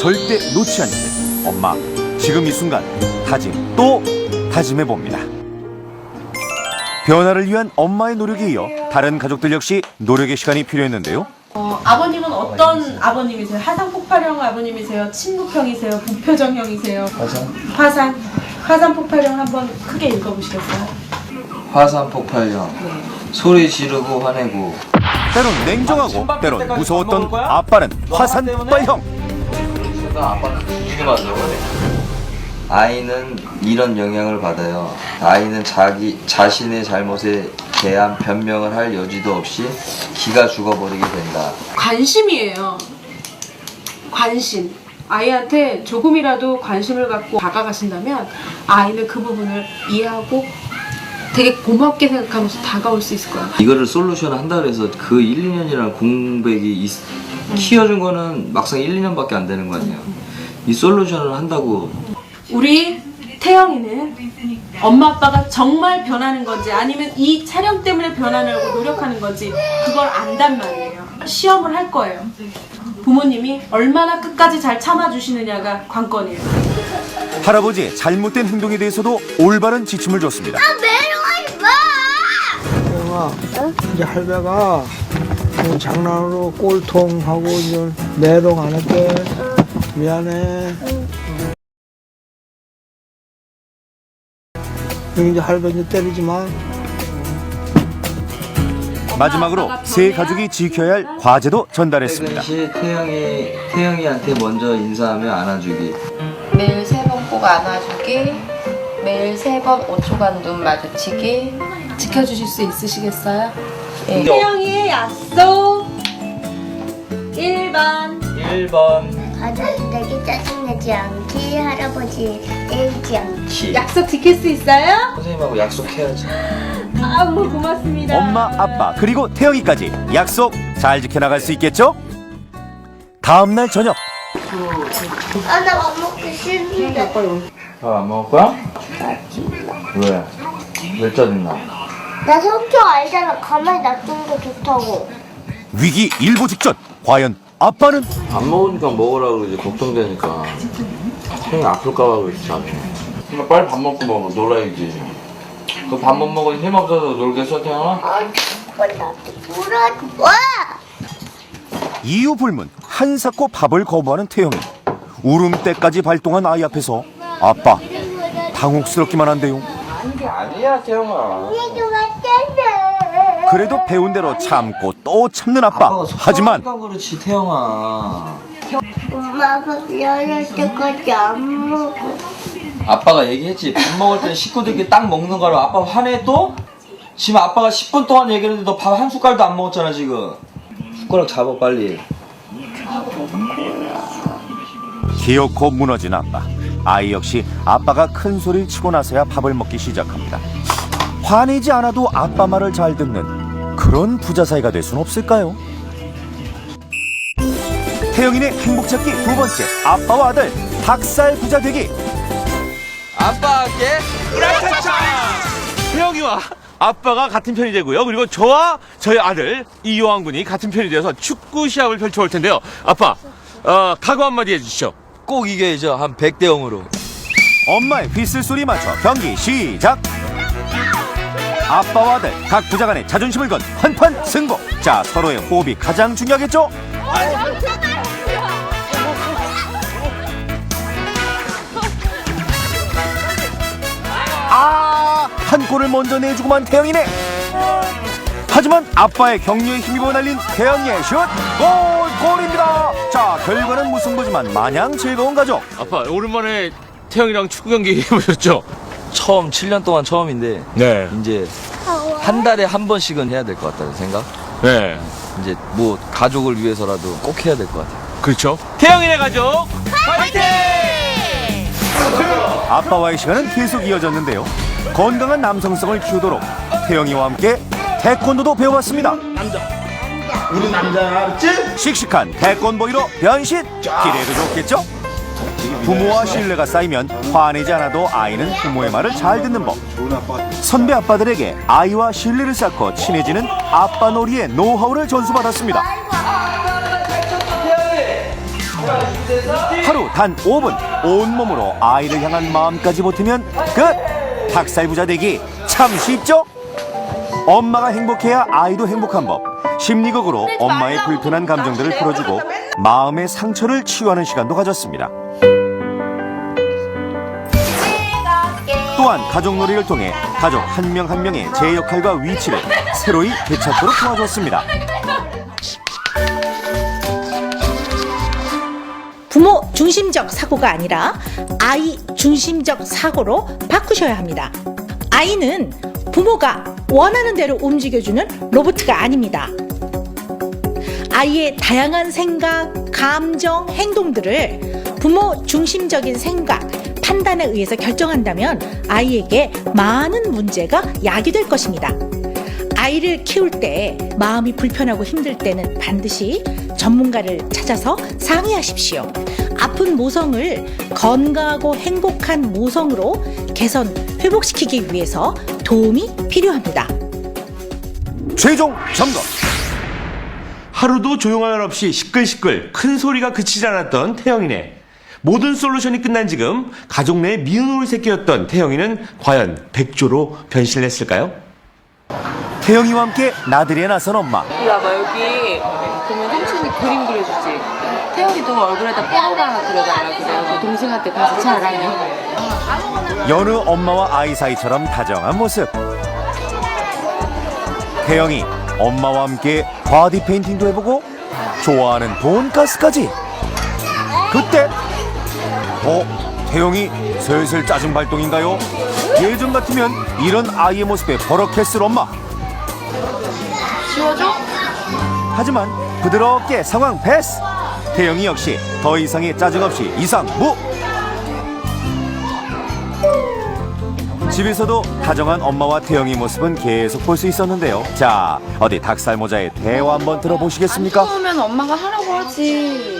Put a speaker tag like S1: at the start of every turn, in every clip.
S1: 절대 놓지 않게 엄마 지금 이 순간 다짐 또 다짐해봅니다. 변화를 위한 엄마의 노력에 이어 다른 가족들 역시 노력의 시간이 필요했는데요.
S2: 아버님은 어떤 아버님이세요? 하상 폭발형 아버님이세요? 친구형이세요? 부표정형이세요? 화산 폭발형 한번 크게 읽어보시겠어요?
S3: 화산 폭발형. 소리 지르고 화내고.
S1: 때론 냉정하고 때론 무서웠던 아빠는 화산 폭발형.
S3: 아빠는 이게 맞아. 아이는 이런 영향을 받아요. 아이는 자신의 잘못에 대한 변명을 할 여지도 없이 기가 죽어버리게 된다.
S2: 관심이에요. 관심. 아이한테 조금이라도 관심을 갖고 다가가신다면 아이는 그 부분을 이해하고 되게 고맙게 생각하면서 다가올 수 있을 거예요.
S3: 이거를 솔루션 한다 그래서 그 1, 2년이라는 공백이 키워준 거는 막상 1, 2년밖에 안 되는 거 아니에요. 이 솔루션을 한다고.
S2: 우리 태영이는 엄마 아빠가 정말 변하는 건지 아니면 이 촬영 때문에 변하려고 노력하는 건지 그걸 안단 말이에요. 시험을 할 거예요. 부모님이 얼마나 끝까지 잘 참아주시느냐가 관건이에요.
S1: 할아버지의 잘못된 행동에 대해서도 올바른 지침을 줬습니다.
S4: 태영아, 이제 할배가 장난으로 꼴통하고 이제 메롱 안 할게. 미안해. 이제 할배 이제 때리지 마.
S1: 마지막으로 세 가족이 지켜야 할 과제도 전달했습니다.
S3: 퇴근 시 태영이한테 먼저 인사하며 안아주기.
S5: 매일 3번 꼭 안아주기, 매일 3번 5초간 눈 마주치기.
S2: 지켜주실 수 있으시겠어요?
S5: 예.
S2: 태영이의 약속 1번
S3: 1번.
S6: 가족들에게 짜증내지 않기, 할아버지 때리지 않기.
S2: 약속 지킬 수 있어요?
S3: 선생님하고 약속해야지.
S2: 너무 고맙습니다.
S1: 엄마, 아빠, 그리고 태영이까지 약속 잘 지켜나갈 수 있겠죠? 다음 날 저녁
S6: 아, 나 밥 먹기 싫은데.
S3: 밥 안 먹을 거야? 왜? 왜 짜증나?
S6: 나 성격 알잖아. 가만히 놔두는 거 좋다고.
S1: 위기 일보 직전 과연 아빠는
S3: 안 먹으니까 먹으라고 그러지. 걱정되니까. 형이 아플까봐 그러지. 그러니까 빨리 밥 먹고 먹어. 놀아야지. 그 밥 못 먹으니 힘없어서 놀겠어, 태영아?
S6: 몰라. 와!
S1: 이유 불문 한사코 밥을 거부하는 태영이 울음대까지 발동한 아이 앞에서 아빠 당혹스럽기만 한데요.
S3: 아니야, 태영아.
S6: 이게 맞잖아.
S1: 그래도 배운 대로 참고 또 참는 아빠. 하지만
S3: 그렇지, 태영아.
S6: 엄마가 미안할 때까지 안 먹어.
S3: 아빠가 얘기했지. 밥 먹을 때는 식구들끼리 딱 먹는 거로 아빠 화내 또? 지금 아빠가 10분 동안 얘기했는데 너 밥 한 숟갈도 안 먹었잖아 지금. 숟가락 잡아 빨리.
S1: 기어코 무너진 아빠. 아이 역시 아빠가 큰 소리를 치고 나서야 밥을 먹기 시작합니다. 화내지 않아도 아빠 말을 잘 듣는 그런 부자 사이가 될 수는 없을까요? 태영이네 행복 찾기 두 번째 아빠와 아들 닭살 부자 되기.
S3: 아빠 할게.
S7: 태영이와 아빠가 같은 편이 되고요. 그리고 저와 저희 아들 이요한 군이 같은 편이 되어서 축구 시합을 펼쳐올 텐데요. 아빠, 각오 한마디 해주시죠.
S3: 꼭 이겨야죠. 한 100대 0으로.
S1: 엄마의 휘슬 소리 맞춰 경기 시작. 아빠와 아들 각 부자 간의 자존심을 건 한판 승부. 자, 서로의 호흡이 가장 중요하겠죠? 한 골을 먼저 내주고만 태영이네. 하지만 아빠의 격려에 힘입어 날린 태영이의 슛. 골입니다. 자, 결과는 무승부지만 마냥 즐거운 가족.
S7: 아빠, 오랜만에 태영이랑 축구 경기 해보셨죠?
S3: 처음 7년 동안 처음인데
S7: 네.
S3: 이제 한 달에 한 번씩은 해야 될 것 같다는 생각.
S7: 네.
S3: 이제 뭐 가족을 위해서라도 꼭 해야 될 것 같아요.
S7: 그렇죠. 태영이네 가족 파이팅!
S1: 아빠와의 시간은 계속 이어졌는데요. 건강한 남성성을 키우도록 태영이와 함께 태권도도 배워봤습니다.
S4: 우리 남자야, 알았지?
S1: 씩씩한 태권보이로 변신! 기대해도 좋겠죠? 부모와 신뢰가 쌓이면 화내지 않아도 아이는 부모의 말을 잘 듣는 법. 선배 아빠들에게 아이와 신뢰를 쌓고 친해지는 아빠 놀이의 노하우를 전수받았습니다.
S3: 태영이!
S1: 하루 단 5분 온몸으로 아이를 향한 마음까지 보태면 끝! 닭살 부자 되기 참 쉽죠? 엄마가 행복해야 아이도 행복한 법. 심리극으로 엄마의 불편한 감정들을 풀어주고 마음의 상처를 치유하는 시간도 가졌습니다. 또한 가족놀이를 통해 가족 한 명 한 명의 제 역할과 위치를 새로이 되찾도록 도와줬습니다.
S8: 부모 중심적 사고가 아니라 아이 중심적 사고로 바꾸셔야 합니다. 아이는 부모가 원하는 대로 움직여주는 로봇가 아닙니다. 아이의 다양한 생각, 감정, 행동들을 부모 중심적인 생각, 판단에 의해서 결정한다면 아이에게 많은 문제가 야기될 것입니다. 아이를 키울 때 마음이 불편하고 힘들 때는 반드시 전문가를 찾아서 상의하십시오. 아픈 모성을 건강하고 행복한 모성으로 개선, 회복시키기 위해서 도움이 필요합니다.
S1: 최종 점검.
S7: 하루도 조용할 날 없이 시끌시끌 큰 소리가 그치지 않았던 태영이네. 모든 솔루션이 끝난 지금 가족 내 미운울 새끼였던 태영이는 과연 백조로 변신했을까요?
S1: 태영이와 함께 나들이에 나선 엄마.
S5: 이리 와봐. 여기 보면 삼촌이 그림 그려주지. 태영이도 얼굴에다 뽀로로 하나 그려달라 그래요. 동생한테 가서 잘하면.
S1: 여느 엄마와 아이 사이처럼 다정한 모습. 태영이 엄마와 함께 바디 페인팅도 해보고 좋아하는 돈가스까지. 그때 태영이 슬슬 짜증 발동인가요? 예전 같으면 이런 아이의 모습에 버럭했을 엄마.
S5: 지워줘?
S1: 하지만 부드럽게 상황 패스. 태영이 역시 더 이상의 짜증 없이 이상무. 집에서도 다정한 엄마와 태영이 모습은 계속 볼 수 있었는데요. 자, 어디 닭살 모자의 대화 한번 들어보시겠습니까?
S5: 안 좋으면 엄마가 하라고 하지.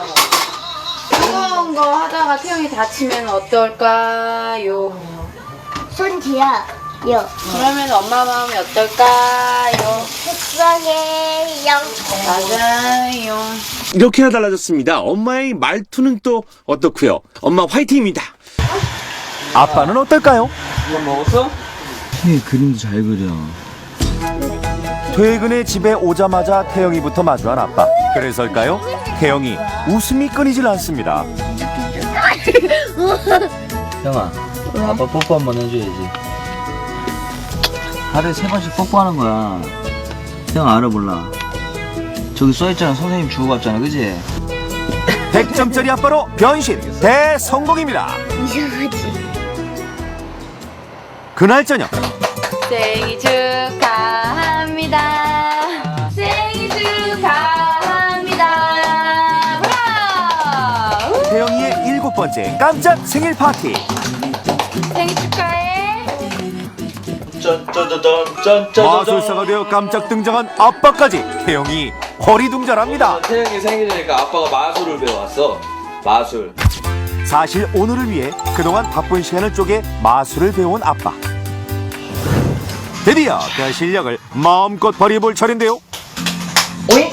S5: 뜨거운 거 하다가 태영이 다치면 어떨까요?
S6: 손 뒤야. 요.
S5: 그러면 엄마 마음이 어떨까요?
S6: 속상해요.
S5: 맞아요.
S7: 이렇게나 달라졌습니다. 엄마의 말투는 또 어떻고요? 엄마 화이팅입니다.
S1: 아빠는 어떨까요?
S3: 이거 먹었어? 태 그림도 잘 그려.
S1: 퇴근에 집에 오자마자 태영이부터 마주한 아빠. 그래서일까요? 태영이 웃음이 끊이질 않습니다.
S3: 형아, 아빠 뽀뽀 한번 해줘야지. 하루에 3번씩 뽀뽀하는 거야. 형 알아 몰라? 저기 써있잖아. 선생님 주고 갔잖아, 그지?
S1: 100점짜리 아빠로 변신 대성공입니다.
S6: 이상하지.
S1: 그날 저녁
S5: 생일 축하합니다. 생일 축하합니다. 브라!
S1: 태영이의 7번째 깜짝 생일 파티.
S5: 생일 축하해.
S1: 마술사가 되어 깜짝 등장한 아빠까지 태영이 허리둥절합니다.
S3: 태영이 생일이니까 아빠가 마술을 배워왔어. 마술.
S1: 사실 오늘을 위해 그동안 바쁜 시간을 쪼개 마술을 배워온 아빠. 드디어 그 실력을 마음껏 발휘해볼 차례인데요.
S3: 오이?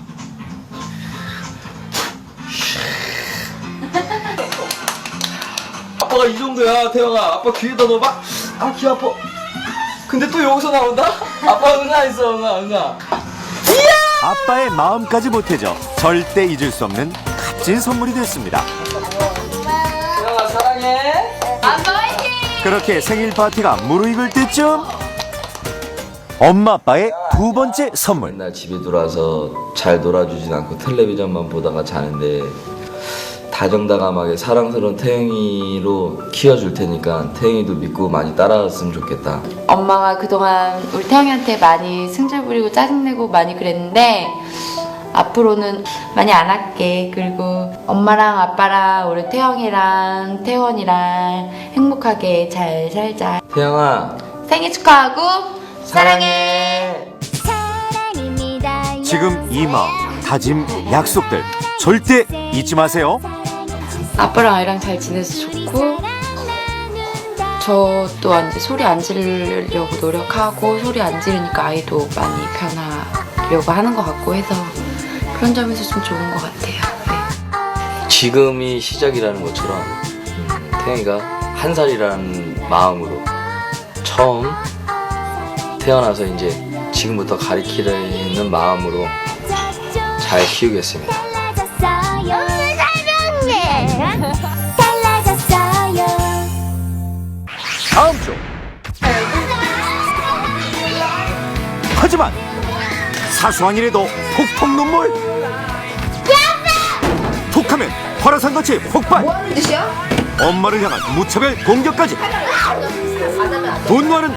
S3: 아빠가 이 정도야, 태영아. 아빠 귀에다 넣어봐. 아, 귀 아파. 근데 또 여기서 나온다? 아빠 응아했어, 응아.
S1: 아빠의 마음까지 보태져 절대 잊을 수 없는 값진 선물이 됐습니다.
S3: 태영아, 사랑해.
S5: 아빠 화이팅!
S1: 그렇게 생일 파티가 무르익을 때쯤 엄마 아빠의 2번째 선물.
S3: 맨날 집에 들어와서 잘 놀아주진 않고 텔레비전만 보다가 자는데 다정다감하게 사랑스러운 태영이로 키워줄 테니까 태영이도 믿고 많이 따라왔으면 좋겠다.
S5: 엄마가 그동안 우리 태영이한테 많이 승질 부리고 짜증내고 많이 그랬는데 앞으로는 많이 안 할게. 그리고 엄마랑 아빠랑 우리 태영이랑 태원이랑 행복하게 잘 살자.
S3: 태영아,
S5: 생일 축하하고 사랑해.
S1: 지금 이 마음, 다짐, 약속들 절대 잊지 마세요.
S5: 아빠랑 아이랑 잘 지내서 좋고 저 또한 이제 소리 안 지르려고 노력하고 소리 안 지르니까 아이도 많이 변하려고 하는 것 같고 해서 그런 점에서 좀 좋은 것 같아요. 네.
S3: 지금이 시작이라는 것처럼 태영이가 한 살이라는 마음으로 처음 태어나서 이제 지금부터 가리키려는 마음으로 잘 키우겠습니다.
S1: 다음 주. 하지만 사소한 일에도 폭풍 눈물. 툭하면 화라산같이 폭발. 뭐하는 짓이야? 엄마를 향한 무차별 공격까지. 분노하는